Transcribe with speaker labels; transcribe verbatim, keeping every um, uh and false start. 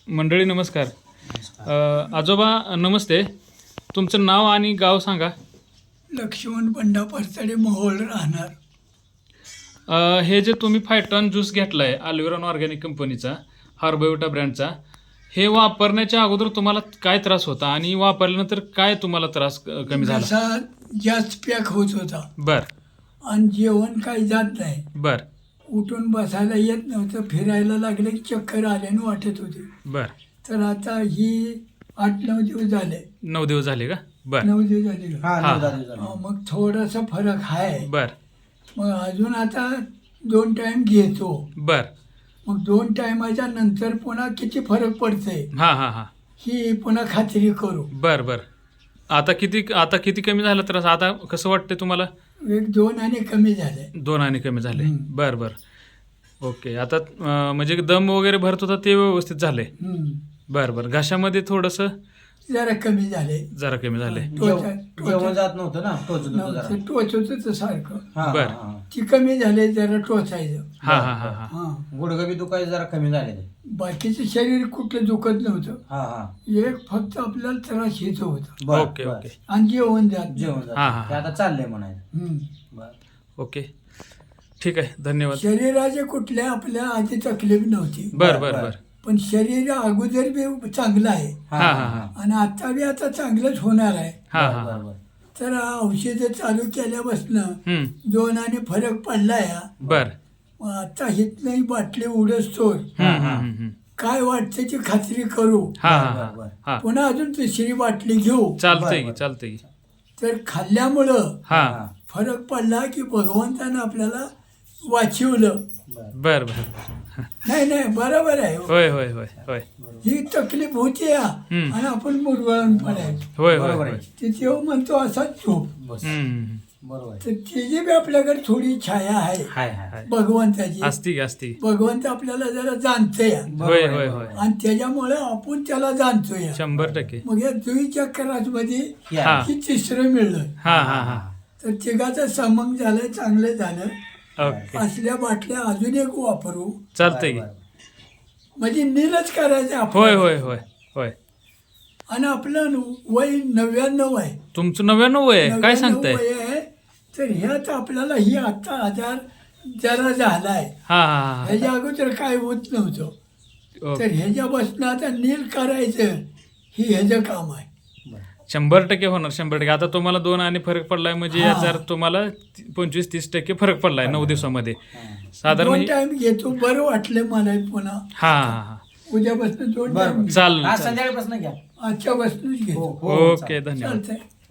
Speaker 1: मंडळी नमस्कार. अ, आजोबा नमस्ते. तुमचं नाव आणि गाव सांगा.
Speaker 2: लक्ष्मण बंडा परतडे मोहोळ राहणार.
Speaker 1: अ, हे जे तुम्ही फायटॉन ज्यूस घेतला आहे अल्विरॉन ऑर्गॅनिक कंपनीचा, हार्बोविटा ब्रँडचा, हे वापरण्याच्या अगोदर तुम्हाला काय त्रास होता आणि वापरल्यानंतर काय तुम्हाला त्रास क- कमी झाला?
Speaker 2: घसा जास्त पॅक होत होता
Speaker 1: बर
Speaker 2: आणि जेवण काही जात नाही.
Speaker 1: बर
Speaker 2: उठून बसायला येत नव्हतं. फिरायला लागले की चक्कर आल्यानं वाटत होते.
Speaker 1: बर
Speaker 2: तर आता ही आठ नऊ दिवस झाले.
Speaker 1: नऊ दिवस झाले का? बर
Speaker 2: नऊ दिवस झाले का?
Speaker 3: हा
Speaker 1: हा.
Speaker 3: नऊ दहा दिवस झाले.
Speaker 2: हा, मग थोडासा फरक आहे.
Speaker 1: बर
Speaker 2: मग अजून आता दोन टाइम घेतो.
Speaker 1: बर
Speaker 2: मग दोन टायमाच्या नंतर पुन्हा किती फरक पडतंय
Speaker 1: हां हां हां
Speaker 2: ही पुन्हा खात्री करू.
Speaker 1: बर बर आता किती आता किती कमी झाला त्रास? आता कसं वाटतंय तुम्हाला?
Speaker 2: एक दोन आणि कमी झाले.
Speaker 1: दोन आणि कमी झाले.
Speaker 2: हम्म.
Speaker 1: बर बर ओके. आता अं, म्हणजे दम वगैरे भरत होता ते व्यवस्थित झाले.
Speaker 2: हम्म.
Speaker 1: बर बर घशामध्ये थोडंसं
Speaker 2: जरा कमी झाले.
Speaker 1: जरा कमी झाले.
Speaker 2: टोचा-
Speaker 3: जेव- जेवण जात नव्हतं ना टोचत होतं जरा.
Speaker 2: नव्हतं, टोचत होतं सारखं.
Speaker 3: हा, हा,
Speaker 1: बर.
Speaker 3: हा.
Speaker 2: ती कमी झाले, जरा टोचायचं.
Speaker 1: हा हा हा हा
Speaker 2: हा
Speaker 3: गुडघं बी दुखायचं जरा कमी झाले ते.
Speaker 2: बाकीचं शरीर कुठलं दुखत नव्हतं.
Speaker 3: हा हा
Speaker 2: एक फक्त आपल्याला त्रास येत होता
Speaker 3: बर,
Speaker 1: ओके
Speaker 3: बर.
Speaker 1: ओके
Speaker 2: आणि जेवण जात
Speaker 3: जेवण
Speaker 2: नाही.
Speaker 3: जात.
Speaker 1: हा, हा,
Speaker 3: ते आता चाललंय म्हणायचं.
Speaker 2: हम्म.
Speaker 3: बर.
Speaker 1: ओके ठीक आहे. धन्यवाद.
Speaker 2: शरीराचे कुठल्या आपल्या आधी तकलीफ नव्हती.
Speaker 1: बर बर
Speaker 3: बर.
Speaker 1: बर
Speaker 2: पण शरीर अगोदर बी चांगलं आहे
Speaker 3: हा
Speaker 1: हा,
Speaker 3: हा
Speaker 1: हा.
Speaker 3: हा
Speaker 2: आणि आता बी आता चांगलंच होणार आहे.
Speaker 1: हा
Speaker 3: बर,
Speaker 1: हा
Speaker 3: बर,
Speaker 1: हा
Speaker 3: बर.
Speaker 2: तर औषधं चालू केल्यापासनं
Speaker 1: हम्म
Speaker 2: दोन आणि फरक पडला या.
Speaker 1: बर
Speaker 2: मग आता हितनंही बाटली उडसतोर
Speaker 1: हम्म हम्म हम्म हम्म.
Speaker 2: काय वाटतं ती खात्री करू.
Speaker 1: हा हा
Speaker 3: बर,
Speaker 1: हा
Speaker 3: बर.
Speaker 1: हा
Speaker 2: पुन्हा अजून तिसरी बाटली घेऊ.
Speaker 1: चालतंय
Speaker 3: बर,
Speaker 1: की
Speaker 3: बर.
Speaker 1: चालतंय की.
Speaker 2: तर खाल्ल्यामुळं
Speaker 1: हा
Speaker 3: हा.
Speaker 2: फरक पडला की भगवंतानं आपल्याला वाचवलं.
Speaker 3: बर.
Speaker 1: बर बर
Speaker 2: नाही नाही बरोबर आहे.
Speaker 1: होय होय होय होय
Speaker 2: ही तकलीफ होती या
Speaker 1: हम्म.
Speaker 2: आणि आपण मुरगळून पडायचो.
Speaker 1: होय होय
Speaker 3: बरोबर
Speaker 1: होय
Speaker 3: आहे.
Speaker 2: ते तेव्हा म्हणतो असा झोप.
Speaker 3: बस.
Speaker 1: हम्म
Speaker 3: बरोबर आहे.
Speaker 2: तर तिची बी आपल्याकडे थोडी छाया आहे
Speaker 3: हाय हाय हाय.
Speaker 2: भगवंताची.
Speaker 1: असती की असती.
Speaker 2: भगवंत आपल्याला जरा जाणतोय
Speaker 3: बरोबर
Speaker 1: होय
Speaker 3: आहे,
Speaker 1: होय
Speaker 3: बरोबर
Speaker 1: होय
Speaker 3: आहे.
Speaker 2: आणि त्याच्यामुळे आपण त्याला जाणतोय.
Speaker 1: शंभर टक्के.
Speaker 2: मग या जुईच्या कराजमध्ये
Speaker 3: हे
Speaker 1: हा.
Speaker 3: आहे.
Speaker 2: ही तिसरं मिळलं.
Speaker 1: हा हा हा
Speaker 2: तर तिघाचं समंग झालं, चांगलं झालं.
Speaker 1: ओके
Speaker 2: असल्या बाटल्या अजून एक वापरू
Speaker 1: चालतंय की.
Speaker 3: बर, बर.
Speaker 2: म्हणजे नीलच करायचं आपण.
Speaker 1: होय होय होय होय.
Speaker 2: आणि आपलं वय नव्याण्णव आहे.
Speaker 1: तुमचं नव्याण्णव वय आहे? काय
Speaker 2: नव्याण्णव
Speaker 1: सांगताय?
Speaker 2: वय आहे. तर ह्यात आपल्याला ही आता आजार जरा झालाय.
Speaker 1: हा हा हा
Speaker 2: ह्याच्या अगोदर काय होत नव्हतं.
Speaker 1: ओके.
Speaker 2: तर ह्याच्यापासून आता नील करायचं ही ह्याचं काम आहे.
Speaker 3: बर.
Speaker 1: शंभर टक्के होणार. शंभर टक्के. आता तुम्हाला दोन आणि फरक पडलाय म्हणजे
Speaker 2: हा.
Speaker 1: याचा अर्थ तुम्हाला पंचवीस तीस टक्के फरक पडलाय नऊ दिवसामध्ये
Speaker 3: हा.
Speaker 1: साधारण.
Speaker 2: दोन
Speaker 1: म्हणजे-
Speaker 2: टाइम घेतो, बरं वाटलं मला पुन्हा.
Speaker 1: हा हा हा
Speaker 2: उद्यापासून दोन
Speaker 3: बर,
Speaker 2: टाइम
Speaker 3: बर.
Speaker 1: चालेल
Speaker 3: आज
Speaker 1: चालेल.
Speaker 3: संध्याकाळपासून घ्या.
Speaker 2: आजच्यापासूनच
Speaker 3: हो,
Speaker 2: घेतो.
Speaker 3: हो,
Speaker 1: ओके धन्यवाद.
Speaker 2: चालतंय.